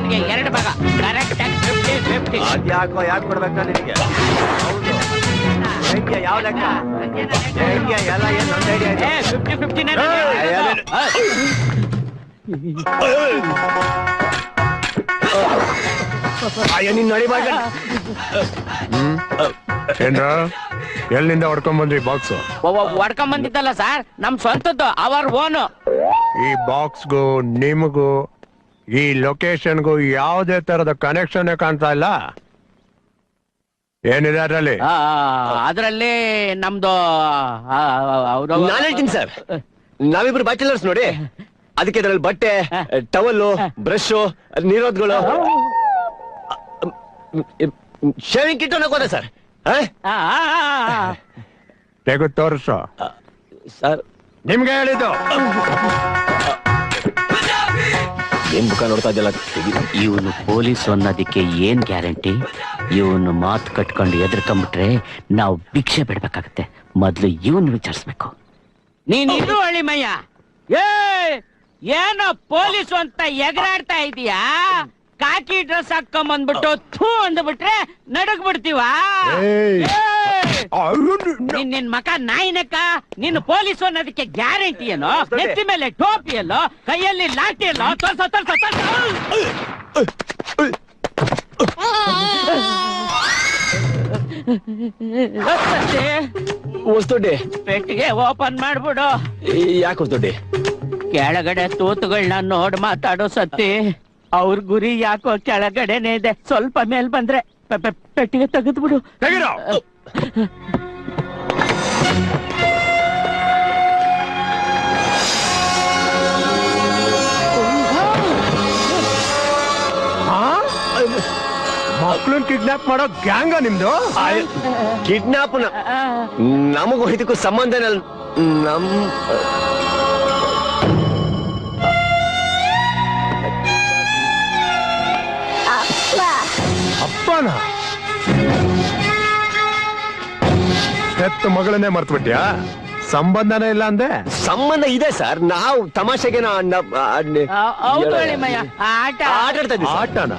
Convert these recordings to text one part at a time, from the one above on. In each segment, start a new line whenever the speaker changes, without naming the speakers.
ನಿನ್ಗೆ 2 ಭಾಗ ಕರೆಕ್ಟ್ ಆಗಿ 50-50.
ಅದ್ಯಾಕೋ ಯಾಕೆ ಕೊಡ್ಬೇಕಾ ನಿನಗೆ? ಹೌದು ಹೆಂಗೆ ಯಾವ ಲೆಕ್ಕ ಹೆಂಗೆ ಎಲ್ಲ ಏನು ನನ್ನ ಐಡಿಯಾ ಇದೆ.
50-50
ನಿನ್ನ ನಡಿಬಾಗ
ಏನ್ರ ಎಲ್ಲಿಂದ ಹೊಡ್ಕೊಂಡ್ ಬಾಕ್ಸ್?
ಹೊಡ್ಕೊಂಡ್ ಬಂದಿದ್ದಲ್ಲ ಸರ್, ನಮ್ ಸ್ವಂತದ್ದು, ಅವರ್ ಓನು.
ಈ ಬಾಕ್ಸ್ಗೂ ನಿಮಗೂ ಈ ಲೊಕೇಶನ್ಗೂ ಯಾವುದೇ ತರದ ಕನೆಕ್ಷನ್ ಕಾಣ್ತಾ ಇಲ್ಲ. ಏನಿದೆ ಅದರಲ್ಲಿ?
ಅದ್ರಲ್ಲಿ ನಮ್ದು
ನಾನು ಹೇಳ್ತೀನಿ ಸರ್, ನಾವಿಬ್ರು ಬ್ಯಾಚುಲರ್ಸ್ ನೋಡಿ, ಅದಕ್ಕೆ ಇದ್ರಲ್ಲಿ ಬಟ್ಟೆ, ಟವಲ್ಲು, ಬ್ರಷ್, ನೀರೋದ್ಗಳು, ಶೇವಿಂಗ್ ಕಿಟ್ ಅನ್ನೋಕೋದೆ ಸರ್.
ತೆಗೆದು ತೋರಿಸು.
ಸರ್
ನಿಮ್ಗೆ ಹೇಳಿದ್ದು
ಏನ್ ಮುಖ ನೋಡ್ತಾ ಇದ್ದಲ್ಲ.
ಇವನು ಪೊಲೀಸ್ ಅನ್ನೋದಕ್ಕೆ ಏನ್ ಗ್ಯಾರಂಟಿ? ಇವನು ಮಾತು ಕಟ್ಕೊಂಡು ಎದ್ರಕೊಂಡ್ಬಿಟ್ರೆ ನಾವು ಭಿಕ್ಷೆ ಬಿಡ್ಬೇಕಾಗತ್ತೆ. ಮೊದ್ಲು ಇವನ್ ವಿಚಾರಿಸ್ಬೇಕು. ನೀನ್ ಇದು ಅಳಿಮಯ್ಯ, ಏನೋ ಪೊಲೀಸು ಅಂತ ಎಗರಾಡ್ತಾ ಇದೀಯಾ? ಕಾಕಿ ಡ್ರೆಸ್ ಹಾಕೊಂಬಂದ್ಬಿಟ್ಟು ಥೂ ಅಂದ್ಬಿಟ್ರೆ ನಡಗ್ ಬಿಡ್ತೀವ? ನಿನ್ ಮಕ ನಾಯಿನಕ್ಕ. ನಿನ್ನ ಪೊಲೀಸು ಅನ್ನೋದಕ್ಕೆ ಗ್ಯಾರಂಟಿ ಏನೋ? ನೆತ್ತಿ ಮೇಲೆ ಟೋಪಿ ಎಲ್ಲೋ, ಕೈಯಲ್ಲಿ ಲಾಠಿ ಎಲ್ಲೋ?
ಹೊಸ್ದೊಡ್ಡಿ
ಪೆಟ್ಟಿಗೆ ಓಪನ್ ಮಾಡ್ಬಿಡು.
ಯಾಕೆ ಹೊಸ್ದೊಡ್ಡಿ?
ಕೆಳಗಡೆ ತೂತುಗಳನ್ನ ನೋಡ್ ಮಾತಾಡೋ ಸತ್ತಿ. ಅವ್ರ ಗುರಿ ಯಾಕೋ ಕೆಳಗಡೆನೆ ಇದೆ. ಸ್ವಲ್ಪ ಮೇಲ್ ಬಂದ್ರೆ ಪೆಟ್ಟಿಗೆ ತೆಗೆದ್ಬಿಡು.
ಮಕ್ಳನ್ ಕಿಡ್ನಾಪ್ ಮಾಡೋ ಗ್ಯಾಂಗ ನಿಮ್ದು?
ಕಿಡ್ನಾಪ್ ನಮಗೂ ಇದಕ್ಕೂ ಸಂಬಂಧ ನಮ್
ಅಪ್ಪನ ಹೆತ್ತ ಮಗಳನ್ನೇ ಮರ್ತು ಬಿಟ್ಯಾ? ಸಂಬಂಧನೇ ಇಲ್ಲ ಅಂದೆ?
ಸಂಬಂಧ ಇದೆ ಸರ್. ನಾವು ತಮಾಷೆಗೆ
ಆಟನ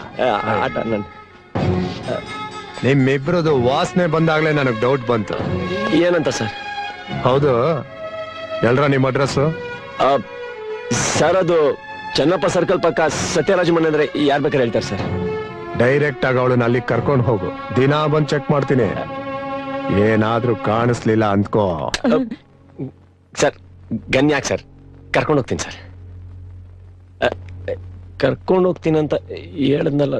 ನಿಮ್ಮಿಬ್ರದು ವಾಸನೆ ಬಂದಾಗ್ಲೇ ನನಗ್ ಡೌಟ್ ಬಂತು.
ಏನಂತ ಸರ್?
ಹೌದು, ಎಲ್ರ ನಿಮ್ ಅಡ್ರೆಸ್?
ಸರ್ ಅದು ಚೆನ್ನಪ್ಪ ಸರ್ಕಲ್ ಪಕ್ಕ ಸತ್ಯರಾಜ್ ಮನೆ ಅಂದ್ರೆ ಯಾರ್ ಬೇಕಾದ್ರೆ ಹೇಳ್ತಾರೆ ಸರ್.
ಡೈರೆಕ್ಟ್ ಆಗಿ ಅವಳನ್ನ ಅಲ್ಲಿ ಕರ್ಕೊಂಡು ಹೋಗು. ದಿನಾ ಬಂದ್ ಚೆಕ್ ಮಾಡ್ತೀನಿ. ಏನಾದ್ರೂ ಕಾಣಿಸ್ಲಿಲ್ಲ ಅಂದ್ಕೋ.
ಸರ್ ಗನ್ಯಾಕ್ ಸರ್, ಕರ್ಕೊಂಡು ಹೋಗ್ತೀನಿ ಸರ್. ಕರ್ಕೊಂಡು ಹೋಗ್ತೀನಿ ಅಂತ ಹೇಳದ್ನಲ್ಲ.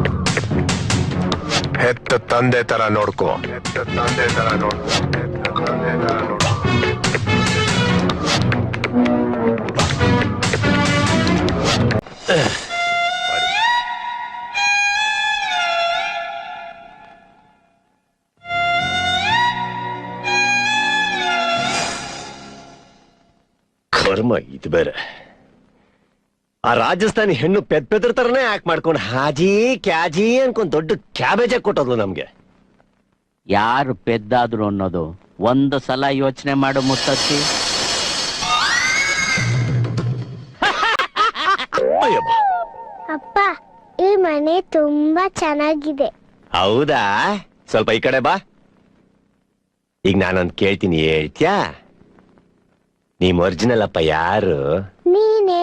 ಹೆತ್ತ ತಂದೆ ತರ ನೋಡ್ಕೋ. ಹೆತ್ತ ತಂದೆ ತರ ನೋಡ್ಕೋ.
ಕರ್ಮ ಇದು ಬೇರೆ. ಆ ರಾಜಸ್ಥಾನಿ ಹೆಣ್ಣು ಪೆದ್ರ ತರನೇ ಆಕ್ಟ್ ಮಾಡ್ಕೊಂಡು ಹಾಜಿ ಕ್ಯಾಜಿ ಅನ್ಕೊಂಡ್ ದೊಡ್ಡ ಕ್ಯಾಬೇಜ್ ಕೊಟ್ಟೋದ್ಲು ನಮ್ಗೆ.
ಯಾರು ಪೆದ್ದಾದ್ರು ಅನ್ನೋದು ಒಂದು ಸಲ ಯೋಚನೆ ಮಾಡು ಮುತ್ತತ್ತಿ.
ಅಪ್ಪ, ಈ ಮನೆ ತುಂಬಾ ಚೆನ್ನಾಗಿದೆ.
ಹೌದಾ? ಸ್ವಲ್ಪ ಈ ಕಡೆ ಬಾ. ಈಗ ನಾನೊಂದ್ ಕೇಳ್ತೀನಿ, ಹೇಳ್ತ್ಯಾ? ನೀಮ್ ಒರಿಜಿನಲ್ ಅಪ್ಪ ಯಾರು?
ನೀನೆ.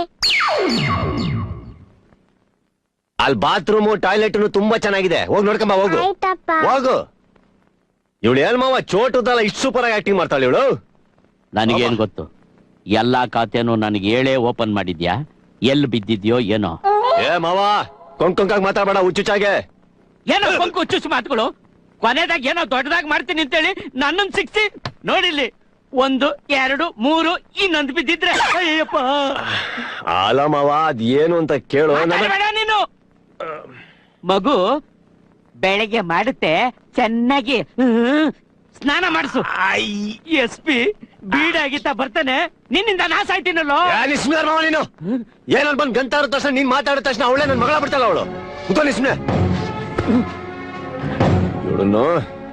ಅಲ್ಲಿ ಬಾತ್ರೂಮು ಟಾಯ್ಲೆಟ್ ತುಂಬಾ ಚೆನ್ನಾಗಿದೆ. ಹೋಗಿ ನೋಡ್ಕೊಂಬ. ಹೋಗು ಹೋಗು. ಇವಳು ಏನ್ ಮಾವ ಚೋಟದಲ್ಲ ಇಷ್ಟು ಸೂಪರ್ ಆಗಿ ಆಕ್ಟಿಂಗ್ ಮಾಡ್ತಾಳೆ ಇವಳು.
ನನಗೇನ್ ಗೊತ್ತು? ಎಲ್ಲಾ ಖಾತೆನೂ ನನಗೆ ಹೇಳೇ ಓಪನ್ ಮಾಡಿದ್ಯಾ? ಎಲ್ಲಿ ಬಿದ್ದಿದ್ಯೋ ಏನೋ?
ಏ ಮಾವ, ಕೊಂಕಾಗ ಮಾತಾಡಬೇಡ ಹುಚ್ಚುಚ್ಚಾಗೆ.
ಏನೋ ಕೊಂಕು ಹುಚ್ಚುಚ್ಚು ಮಾತುಗಳು. ಕೊನೆದಾಗ ಏನೋ ದೊಡ್ಡದಾಗಿ ಮಾಡ್ತೀನಿ ಅಂತೇಳಿ ನನ್ನನ್ನು ಸಿಕ್ಸಿ ನೋಡಿಲ್ಲಿ 1 2 3 ಇನ್ನೊಂದು ಬಿದ್ದಿದ್ರೆ ಅಯ್ಯಪ್ಪ.
ಅಲ್ಲ ಮಾವ, ಅದೇನು ಅಂತ ಕೇಳು.
ನೀನು ಮಗು ಬೆಳಗ್ಗೆ ಮಾಡುತ್ತೆ, ಚೆನ್ನಾಗಿ ಸ್ನಾನ ಮಾಡಿಸು. SP ಬೀಡಾಗಿತ್ತ ಬರ್ತಾನೆ, ನಿನ್ನಿಂದ ನಾಶ ಆಯ್ತೀನಲ್ಲೋ.
ನೀನು ಏನಾದ್ರು ಬಂದ್ ಗಂಟ ಇರೋ ತಕ್ಷಣ ನೀನ್ ಮಾತಾಡಿದ ತಕ್ಷಣ ಅವಳೇ ನನ್ ಮಗಳ ಬಿಡ್ತಾಳ ಅವಳು. ಇವಳನ್ನು